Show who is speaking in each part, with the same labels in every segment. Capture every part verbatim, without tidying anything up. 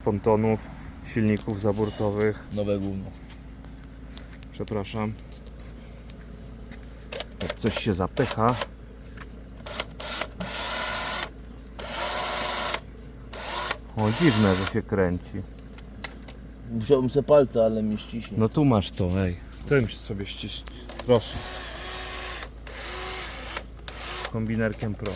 Speaker 1: pontonów, silników zaburtowych.
Speaker 2: Nowe gówno.
Speaker 1: Przepraszam. Jak coś się zapycha. O, dziwne, że się kręci.
Speaker 2: Wziąłem sobie palca, ale mi ściśnie.
Speaker 1: No tu masz to, ej. Tym sobie ściśnij. Proszę. Kombinerkiem Pro.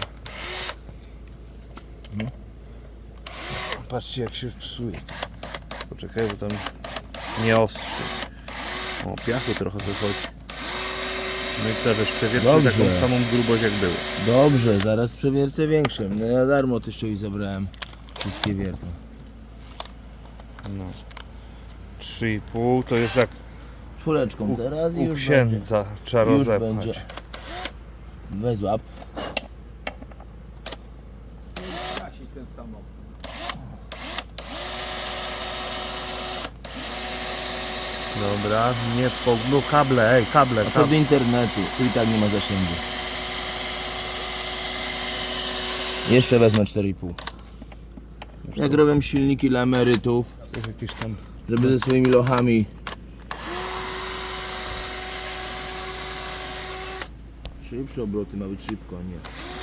Speaker 2: No.
Speaker 1: Patrzcie, jak się psuje. Poczekaj, bo tam nie ostrzy. O, piachu trochę wychodzi. No i teraz przewiercę
Speaker 2: Dobrze.
Speaker 1: taką samą grubość jak było.
Speaker 2: Dobrze, zaraz przewiercę większym. No ja darmo teściowi zabrałem wszystkie wiertła.
Speaker 1: No. trzy i pół to jest jak
Speaker 2: Czwóreczką teraz i
Speaker 1: u
Speaker 2: już
Speaker 1: księdza trzeba
Speaker 2: będzie. Już
Speaker 1: rozepchać.
Speaker 2: będzie. Weź złap.
Speaker 3: ten samochód.
Speaker 1: Dobra, nie po... No kable, ej, kable,
Speaker 2: A to
Speaker 1: kable.
Speaker 2: do internetu, tu i tak nie ma zasięgu. Jeszcze wezmę cztery i pół. Jak robię silniki dla emerytów,
Speaker 1: Coś jakieś tam...
Speaker 2: żeby ze swoimi lochami. Szybsze obroty, ma być szybko, a nie.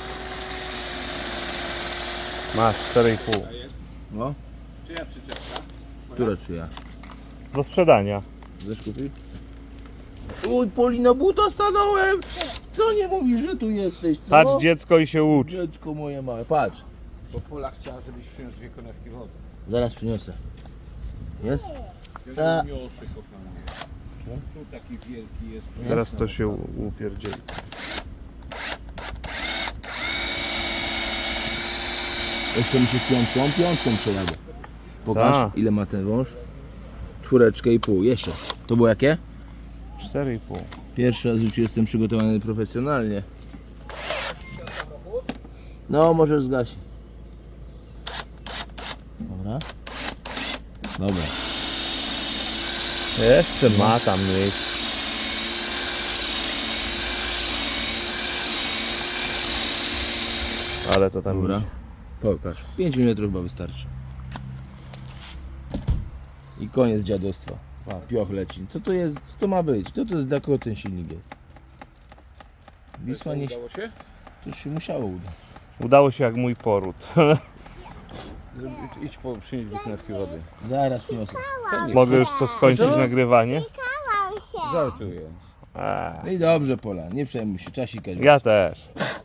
Speaker 1: Masz cztery i pół.
Speaker 2: No,
Speaker 3: Czyja przyczepka?
Speaker 2: która czy ja?
Speaker 1: Do sprzedania.
Speaker 2: Chcesz kupić? Uj, Polina, buta stanąłem! Co nie mówisz, że tu jesteś, co?
Speaker 1: Patrz dziecko i się ucz.
Speaker 2: Dziecko moje małe, patrz.
Speaker 3: Bo Pola chciała, żebyś przyniósł dwie konewki wody.
Speaker 2: Zaraz przyniosę. Jest?
Speaker 3: Ja
Speaker 2: Ta-
Speaker 3: nie niosę, kochanie. Tu taki wielki jest.
Speaker 1: Teraz to się u- upierdzieli.
Speaker 2: Jeszcze mi się z piątką, piątką przejadę. Pokaż,
Speaker 1: Ta.
Speaker 2: ile ma ten wąż. Czwóreczkę i pół, jeszcze. To było jakie?
Speaker 1: cztery i pół.
Speaker 2: Pierwszy raz w życiu jestem przygotowany profesjonalnie. No, może zgasi. Dobra. Dobra.
Speaker 1: Jeszcze ma tam miejsce. Ale to tam
Speaker 2: Dobra.
Speaker 1: idzie.
Speaker 2: Pokaż. pięć milimetrów chyba wystarczy. I koniec dziadostwa. A, pioch leci. Co to jest? Co to ma być? Co to jest? Dla kogo ten silnik jest? Wisła nie...
Speaker 3: Udało się?
Speaker 2: To się musiało udać.
Speaker 1: Udało się jak mój poród.
Speaker 3: Idź po przynieść dwie konewki wody.
Speaker 2: Zaraz przyniosę.
Speaker 1: Mogę już to skończyć
Speaker 2: Co?
Speaker 1: nagrywanie?
Speaker 3: Żartuję.
Speaker 1: Eee,
Speaker 2: No i dobrze, Pola. Nie przejmuj się. Trzeba sikać.
Speaker 1: ja też.